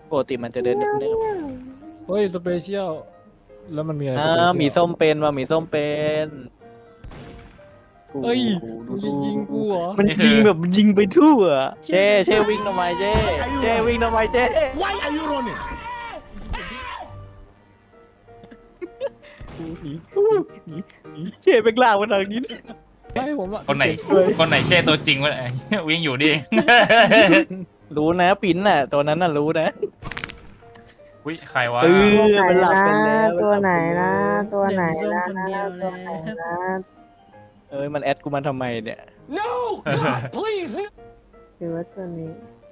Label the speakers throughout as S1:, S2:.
S1: ปกติมันจะเดินเนิบ
S2: เฮ้ยสเปเชียลแล้วมันมีอะไร
S1: ๆ
S2: สเปเชียล
S1: หมีส้มเป็นว่ะหมีส้มเป็น
S2: เฮ้ยมึ
S1: ดู
S2: งจะยิงกูเหรอ
S1: มันยิงแบบยิงไปทั่วเช่วิ่งทำไมเช่วิ่งทำไมเช่
S3: Why are you running?
S1: หนีหนีเช่เป็นล่างมาทางนี้
S2: ไม่ผมอะ
S4: คนไหนเช่ตัวจริงวะวิ่งอยู่นี่เอง
S1: รู้นะปิ้นน่ะตัวนั้นน่ะรู้นะ
S4: อุ้ยใครวะ
S1: มันหลับไปแล้ว
S5: ตัวไหนนะตัวไหน
S6: เหลือ
S5: นะ
S6: ส้มคนเดียว
S5: ตั
S6: แล้ว ว
S5: ไหนนะ
S1: มันแอดกูมาทำไมเนี่ย
S3: No! God, please!
S5: หรือว่าตัวนี้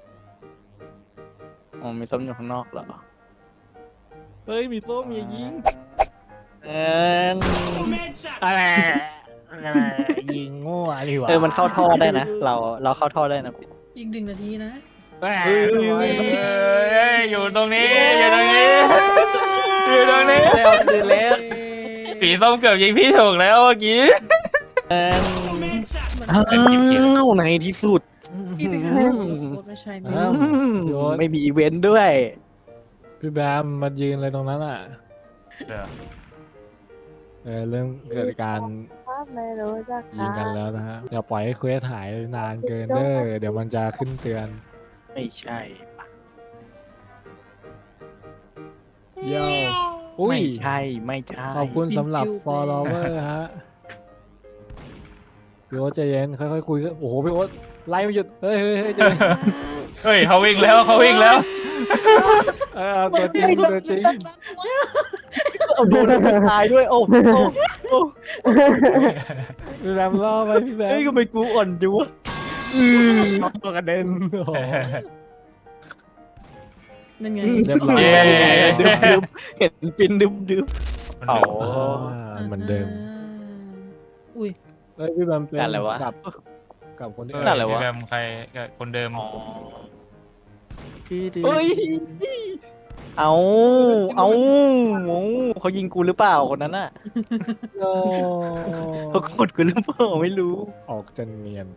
S1: อ๋อมีส้มอยู่ข้างนอกเหรอ
S2: เฮ้ยหมีส้มอย่ายิง
S1: เออ
S2: อะไรยิงโง่ดีกว่า
S1: มันเข้าท่อได้นะ เราเข้าท่อได้นะ
S6: อีก1 นาทีนะ
S1: เฮ้ย
S4: อยู่ตรงนี้อยู่ตรงนี้อยู่ตรงนี้
S1: แล้วคือแล้ว
S4: สีส้มเกือบยิงพี่ถูกแล้วเมื่อกี้
S1: อ้าวในที่สุด
S6: อีก1 นาทีโคตรไม่ใช่ไม่
S2: อ้าว
S1: ไม่มีอีเวนต์ด้วย
S2: พี่แบมมายืนอะไรตรงนั้นอ่ะเริ่มเกิดการ
S5: ไม่รู้จัก
S2: ยิงกันแล้วนะฮะอย่าปล่อยให้เควสหายนานเกินเด้อเดี๋ยวมันจะขึ้นเตือน
S1: ไม่ใช่
S2: เย้อุ้ย
S1: ไม่ใช่ไม่ใช่
S2: ขอบคุณสำหรับ follower ฮะพี่โอ๊ตใจเย็นค่อยๆคุยกันโอ้โหพี่โอ๊ตไล่ไม่หยุดเฮ้ยใจเย็น
S4: เฮ้ยเขาวิ่งแล้วเขาวิ่งแล้ว
S2: ตัวจริงตัวจริง
S1: โดนตายด้วยโอ้
S2: พี่แบมล่อไปพี่แบม
S1: เฮ้ยก็ไปกูอ่อนจังวะ
S2: ตัวกระเด็นโอ้โห
S6: นั่นไง
S2: เรียบร้อย
S4: เย้
S1: ดึบเห็นปินดึบ เอา
S2: เหมือนเดิม
S6: อุ้ย
S2: เฮ้ยพี่แบมเป็น
S1: อะไรวะ
S2: กับคนที่
S1: นั่นแหละวะ
S4: พี่แบมใครคนเดิม
S1: เฮ้ยเอาเขายิงกูหรือเปล่าคนนั้นน่ะ
S2: โอ้
S1: เขากดกูหรือเปล่าไม่รู้
S2: ออกจนเนียน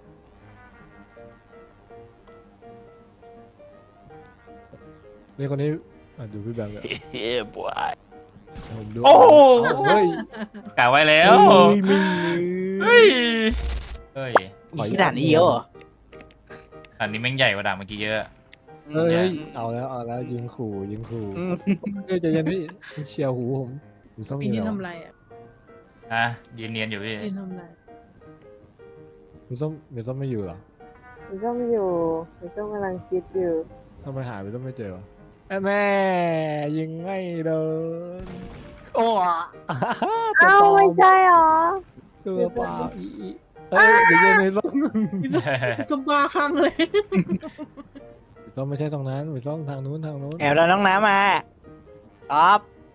S2: นี่คนนี้ดูพี่แบมเลย
S1: เฮ้ยบวย
S2: ผมดู
S4: โอ้โห
S2: เฮ้ย
S4: กะไว้แล้ว
S1: ไม่
S4: เฮ้ยเฮ้ย
S1: ขนาดนี้เหรอ
S4: อันนี้แม่งใหญ่กว่าด่าเมื่อกี้เยอะ
S2: เฮ้ยเอาแล้วยิงขู่เฮ้ยใจเย็นพี่เชียวหูผมส้ม
S6: ปี
S2: อยู่
S6: นี้
S2: แล้ว
S6: ทำไรอ่ะ
S4: ยืนเนียนอยู่พี่
S6: ปีนทำไร
S2: มีส้มไม่อยู่เหรอ
S5: มีส้มอยู่มีส้มกำลังคิดอยู่
S2: ทำไมหายไปส้มไม่เจอวะแม่ยิงไม่โดนโอ้ตัว
S5: เอ้า
S2: ปลอ
S5: ไม่
S2: ม
S5: ใช่หรอ
S2: ตัวเปล่าเฮ้ยเดี๋ยวเย็นเลยส้ม
S6: สบาคังเลย
S2: ส้มไม่ใช่ตรงนั้นมีส้มทางนู้น
S1: แอบแล้วน้องน้ำมาครับ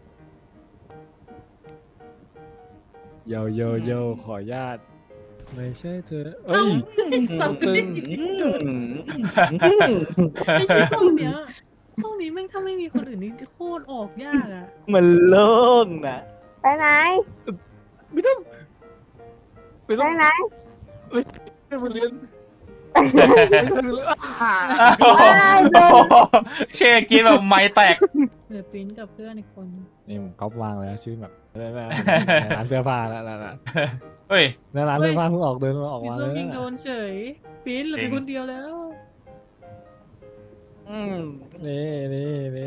S2: โยขอญาตไม่ใช่เธอเอ้ย
S6: สับ
S2: ตึ
S6: เลย
S2: ง
S6: ไอ้ห้องเนี้ยห้องนี้แม่งถ้าไม่มีคนอื่นนี่โคตรออกยากอ่ะ
S1: มันโล่งนะ
S5: ไปไหน
S2: ไม่ต้อง
S5: ไปไหน
S2: ไม่มาเรียน
S4: เช่กินแบบไม้แตก
S6: เหลือปิ้นกับเพื่อนอีกคน
S2: นี่ผมก๊อปวางแล้วชื่อแบบร้านเสื้อผ้าแล้ว
S4: เฮ้ย
S2: ร้านเสื้อผ้าเพิ่งออกเดินมาออก
S6: พี่
S2: มา
S6: ส้
S2: เล
S6: ม
S2: ย
S6: ยิงโดนเฉยปิ้นเหลือเป็นคนเดียวแล้ว
S2: นี่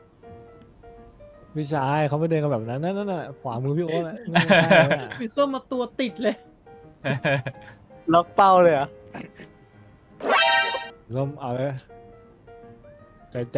S2: พี่ชายเขาไม่เดินกันแบบนั้นนั่นน่ะขวามือพี่โอ๊ต
S6: พี่ส้มมาตัวติดเลย
S1: ล็อกเป้าเลยเหรอ่ะ
S2: ร่มเอาเลยใจ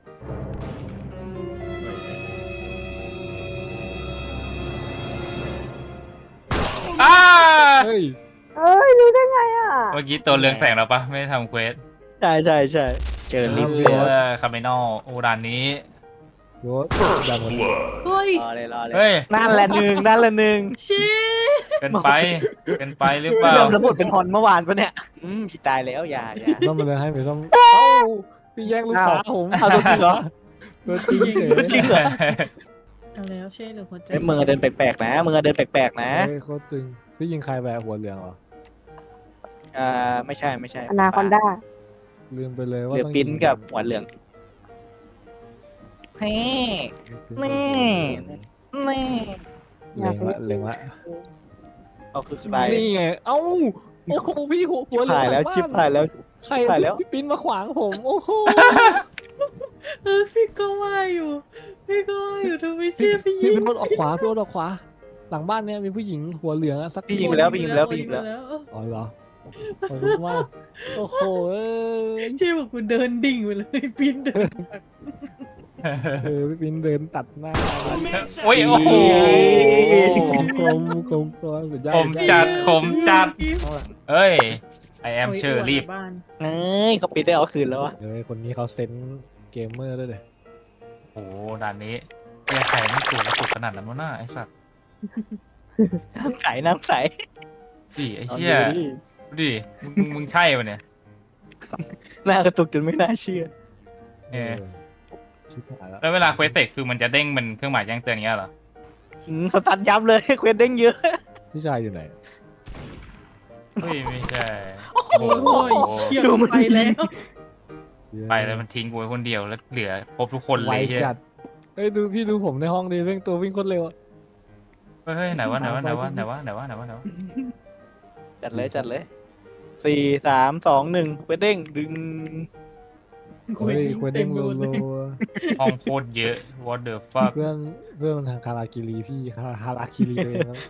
S4: อ้า
S2: เฮ้ย
S5: เอ้ยรู้ได้ไงอ่ะ
S4: เมื่อกี้ตัวเรืองแสงแล้วปะไม่ได้ทำเควส
S1: ใช่เจอลิฟต์
S4: เพื่อคาเมนอลโอด่านนี้
S2: โยดังหมด
S6: เฮ้ย
S1: รอเลย
S4: เฮ้ย
S1: นั่นแหละหนึ่ง
S6: ชี้
S4: เป็นไปหรือเปล่า
S1: เริ่มระบบเป็นฮอนเมื่อวานปะเนี่ยพี่ตายแล้วอย่า
S2: ส้มมาเลยให้ไปส้มเอ้าพี่แย่งลูกสาวผม
S1: เอาตัวจริงเหรอ
S2: ตัวจริงเฉย
S1: ตัวจริงเหรอ
S6: เอาแล้วเช่หรือหัวใจ
S1: มึงเดินแปลกๆนะมึงเดินแปลกๆนะ
S2: เฮ้ยโคตรตึงพี่ยิงใครแบบหัวเหลืองเหรอ
S1: ไม่ใช่
S5: อนาคอนด้า
S2: ลืมไปเลยว่า
S1: เหลือ
S2: ต้อง
S1: ปิ้นกับหัวเหลืองแน่แน่แน่
S2: เล็งละเล็งละ
S1: เอาคือสไตล์
S2: นี่ไงเอ้าโอ้โหพี่หัว
S1: ชิบ
S2: เหลื
S1: หายแล้ว
S2: บ้น
S1: ชิบหายแล้ว
S2: ใคร
S1: ชิบหายแล้ว
S2: พี่ปิ้นมาขวางผมโอ้โห
S6: พี่ก็ว่าอยู่พี่ก็ว่าอยู่ทำไม
S2: พี่
S6: เชื่อพี่ยิง
S2: พี่โดนออกขวาพี่โดนออกขวา หลังบ้านเนี่ยมีผู้หญิงหัวเหลืองอะสัก
S1: พี่ยิงไปแล้วพี่ยิงไปแล้วพี่ยิงไปแล้ว
S2: อ๋อเหรอขอบคุณมากโอ้โหเอ้ย
S6: เชื่อบอกกูเดินดิ่งไปเลยปีนเดิน
S2: พี่ปิ้นเดินตัดหน้า
S4: โอ้ยโอ้โห
S2: กลมสุดยอด
S4: ผมจัดผมจัดเอ้ย I am เชอร์รีบ
S6: บ้าน
S1: เอ้ยเขาปิดได้เอาคืนแล้ววะ
S2: เฮ้ยคนนี้เขาเซนส์เกมเมอร์ด้วยเลย
S4: โอ้โหด่านนี้เหี้ยไข่ไม่ตัวกระตุกขนาดนั้นวะน่าไอ้สัตว์
S1: น้ำใสน้ำใส
S4: ดิไอ้เชี่ย
S1: อาดูดิ
S4: ดูดิมึงใช่ปะเนี่ย
S1: หน้ากระตุกจนไม่น่าเชื่อ
S4: เออ
S2: ชิบหายแล้ว
S4: แล้วเวลาเควสเสร็จคือมันจะเด้งเป็นเครื่องหมายแจ้งเตือนอย่างเงี้ยเหรอ
S1: สตันยับเลยเควสเด้งเยอะ
S2: พี่ชายอยู่ไหน
S4: เฮ้ยไม่ใช่
S6: โอ้ยเขี่ยไปแล้ว
S4: ไปแล้วมันทิ้งกูไว้คนเดียวแล้วเหลือครบทุกคนเล
S2: ไวย
S4: เฮีย
S2: จัดเฮ้ยดูพี่ดูผมในห้องดิเร่งตัววิ่งโคตรเร็วอะ
S4: เฮ้ยไหนวะ
S1: จัดเลยจัดเลย4 3 2 1เควสเด้งดึง
S2: เฮ้ยควรเด้งโลโล
S4: ห้องโคตรเยอะ what the fuck
S2: เพื่อนมันทางคาราคิรีพี่คาราคิรีตัวเองแล้ว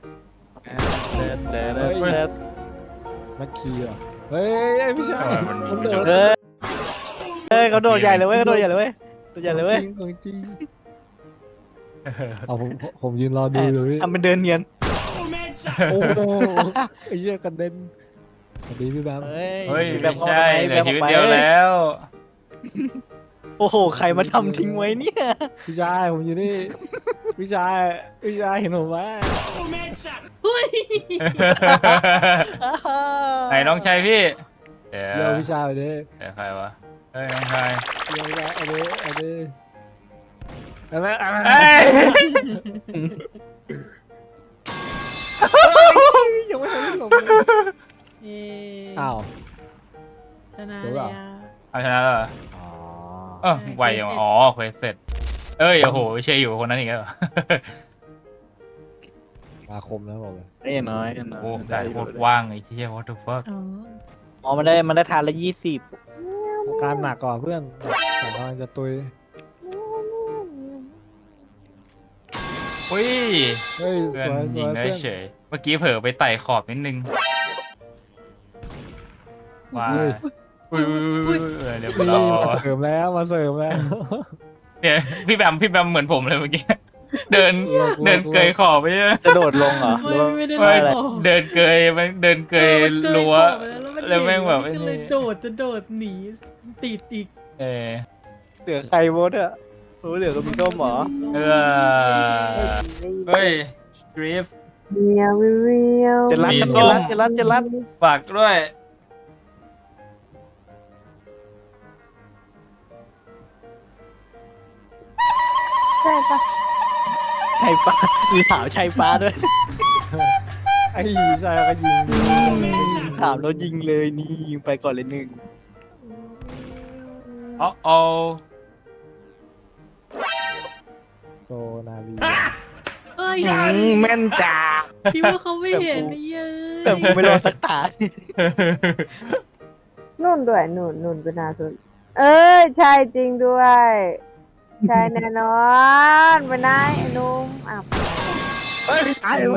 S2: แม็กคีเหรอเฮ้ยพี่ชาย
S4: มันมี
S2: มันโดด
S1: เฮ้ยเขาโดดใหญ่เลยเว้ยเขาโดดใหญ่เลยเว้ยโดดใหญ่เลยเว้ย
S2: ของจริงเอาผมยืนรอดูอยู่พี่
S1: ทำเป็นเดินเนียน
S2: โอ้โหไอ้เหี้ยกระเด็นสวัสดีพี่แบม
S1: เฮ้ย
S4: เฮ้ย
S1: แบบ
S4: ไม่ใช่เหลือชีวิตเดียว
S1: แบบ
S4: แล้ว
S1: โอ้โหใครมาทำทิ้งไว้เนี่ย
S2: พี่ชายผมอยู่นี่พี่ชายเห็นผมไหม
S6: เฮ้ย
S4: ไหนน้องชายพี่เดี๋ยว
S2: เดี๋ยวพี่ชายไปดิ
S4: เดี๋ยวใครวะเฮ้ยน้องชาย
S2: เดี๋ยวพี่ชายเอาดิอะไร
S4: เฮ้ย
S2: ยังไม่ทันได้หลบ
S6: เอ๊ะ
S2: อ้าว
S6: ชนะ
S2: จบ
S6: เล
S2: แล้
S6: ยว อ่ะ
S4: เอาชนะแล้วเหรอ
S2: อ๋อ
S4: เออไวอย่างอ๋อเควสเสร็จเอ้ยโอ้โหเชยอยู่คนนั้นอีกแล้วเหรอ
S2: มาคมนะบอกเลย
S1: ไอ้น้อย
S4: โอ้ได้โคตรว่างไอ้เชี่ย what the fuck
S6: อ๋อ
S1: อ๋อมันได้ทานละ20
S2: อาการหนักกว่าเพื่อนแต่กำลังจะตุย
S4: อุ้ย
S2: เฮ้ย
S4: เพื่
S2: ส
S4: อน
S2: วย
S4: ยิงได้
S2: เพื่อน
S4: เฉยเมื่อกี้เผลอไปไต่ขอบนิดนึงว้ายอุ้ยเรียบร้
S2: นี่
S4: อ
S2: มาย เสริมแล้ว
S4: เนี่ยพี่แบมเหมือนผมเลยเมื่อกี้เดินเกยขอบไปเลย
S1: จะโดดลงเหรอหรือว่า
S6: ไม่ได้
S4: ไม่
S6: ไล่ขอ
S4: เดินเกยรั้ว แล้วแม่งแบบไอ้
S6: ก็
S4: นี่
S6: เลยโดดหนีติดอีก
S4: เออ
S1: เหลือใครโบสอะรู้เหลือก็มีต้มเหรอ
S4: เออเฮ้ยดริฟ
S5: เมียวเมียว
S1: เจรัต
S4: มี
S1: ครับ
S4: ส้
S1: เจ
S4: ม
S1: รัตเจรัต
S4: ฝากด้วย
S5: ใช่ปะ
S1: ชัยปลามีถามชัยปลาด้วย
S2: ไอ้ชายก็ยิง
S1: ถามแล้วยิงเลยนี่ยิงไปก่อนเลย1
S4: อ๋ออ๋อ
S2: โซนาลี
S6: เอ้ย
S1: แม่นจ้า
S6: คิดว่าเขาไม่เห็นนี่เย้ย
S1: แต่ผมไม่รอสักตา
S5: นุ่นด้วยนุ่นเป็นนาสุดใช่จริงด้วย ใช่แน่นอนเป็นนายไอ้นุ่มอ้าว
S1: เฮ้ยตายเลย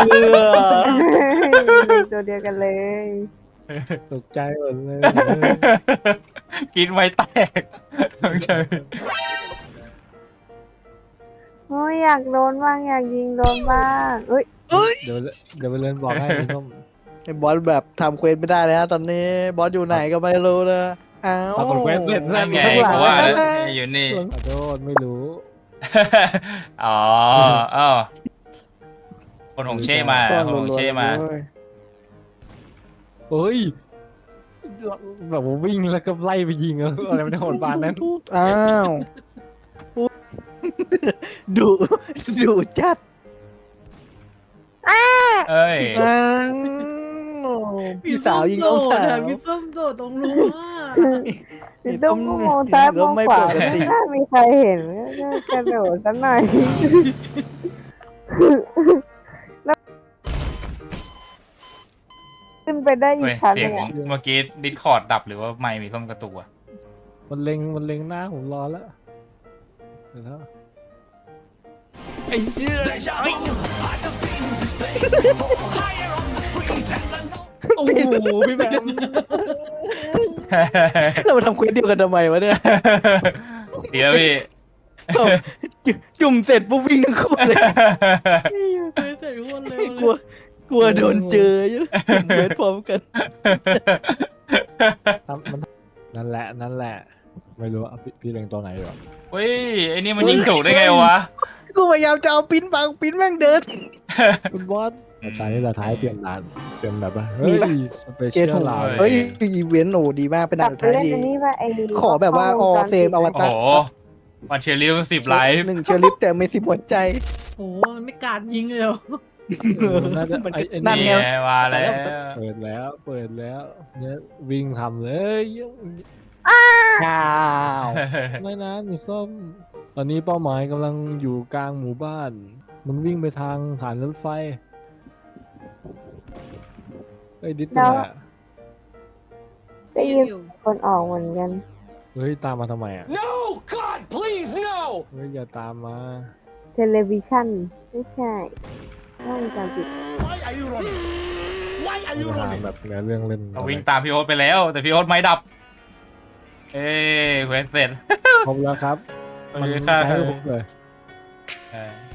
S5: ตัวเดียวกันเลย
S2: ตกใจหมดเลย
S4: กินไว้แตกต้องใช่
S5: โอ้ยอยากโดนบ้างอยากยิงโดนบ้างเอ้ย
S2: เดี๋ยวไปเล่นบอกให้พี่ส้ม
S1: ไอ้บอสแบบทำเควสไม่ได้เลยฮะตอนนี้บอสอยู่ไหนก็ไม่รู้นะอ้าว
S2: ปรากฏเควสเสร็จ
S4: นั่นไง
S1: ข้างหลัง
S4: เพราะว่า
S1: นะ
S4: อยู่นี่
S2: ขอโทษไม่รู้
S4: อ๋ออ้าวคนของเช่มา
S1: ซ่อน
S4: คนของเช่มา
S1: รัวๆเลย
S2: เฮ้ยแบบว่าวิ่งแล้วก็ไล่ไปยิงอะไรไม่ได้โหดบานนั้น
S1: อ้าวดุจัด
S4: เอ้ย
S1: อ้าวพี่สาวยิงน้องสาว
S6: พี่ส้มโดดตรงรั้ว
S5: พี่ตุ้มก็มองซ้ายมองขวาไม่น่ามีใครเห็นก็กระโดดสักหน่อยแล้วขึ้นไปได้อี
S4: เฮ้
S5: ก
S4: ย
S5: ชั้น
S4: เสี
S5: ห
S4: ยง
S5: นึ่งอะ
S4: เมื่อกี้ดิสคอร์ดดับหรือว่าไมค์มีส้มกระตุกอะ
S2: มันเล็งหน้าผมรอแล้วเดี๋ยวนะไอ้เชี่ยโอ้โหพี่แบม
S1: เรามาทำเควสเดียวกันทำไมวะเนี่ย
S4: เดี๋ยวพี่
S1: จุ่มเสร็จปุ๊บวิ่งทั้งคู่เลย
S6: นี่เคยเสร็จโคตรเร็ว
S1: ก
S6: เล
S1: ลัวย กลัวโดนเจอเยอะจุ่มเควสพร้อมกัน
S2: มันนั่นแหละ ไม่รู้อ่ะพี่เล็งตัวไหนอยู่อ่ะ
S4: เฮ้ยไอ้นี่มันยิงถูกได้ไงวะ
S1: กูพยายามจะเอาปิ้นบังปิ้นแม่งเดิน
S2: คุณบอสตอนนี้เราท้ายเตรียมด่านเตรียมแบบว่าเฮ้
S1: มี
S2: ย
S1: ปะ
S2: สเป
S1: เก
S2: เชีย
S1: ต
S2: ล
S1: โห
S2: ไลน์
S1: เฮ้ยอีเวนต์โหดีมากเป็น
S5: กลั
S1: ด่า
S5: บ
S1: น
S5: ไป
S1: ท้าย
S5: เล่น
S1: ดี
S5: อันนี้ว่าไอ้
S1: ขอแบบว่าออเซมอว
S4: โอ้
S1: ตาร
S4: โหวันเชลิว10ไลฟ์
S1: 1 เชอร์ลิฟแต่ไม่10 หัวใจ
S6: โอ้โหมันไม่กาดยิงเลยเหรอ
S2: น่าจะ
S1: มัน
S2: ไอ้
S1: นั่น
S2: นี่
S1: ไง
S4: มาแล้ว
S2: เปิดแล้วเนี่ยวิ่งทำเลย
S1: อ้าว
S2: ไม่นะมีส้มตอนนี้เป้าหมายกำลังอยู่กลางหมู่บ้าน มันวิ่งไปทางฐานรถไฟไอ้ยดิสไปไหนอะ
S5: ได้ยินคนออกเหมือนกัน
S2: เฮ้ยตามมาทำไมอ่ะ
S3: No! God, please, no!
S2: เฮ้ยอย่าตามมา
S5: เทเลวิชั่นไม่ใช่ห้องจำปิด
S3: Why are you running? Why are you
S2: ทาง
S3: running?
S2: แบบเนื้อเรื่องเล่น
S4: เราวิ่งตามพี่โอ๊ตไปแล้ว แต่พี่โอ๊ตไม่ดับ เอ้ยเควสเสร็จ
S2: ครบแล้วครับ มัน
S4: โอเคครับ
S2: ใช้ให้ผมเลย
S4: เออ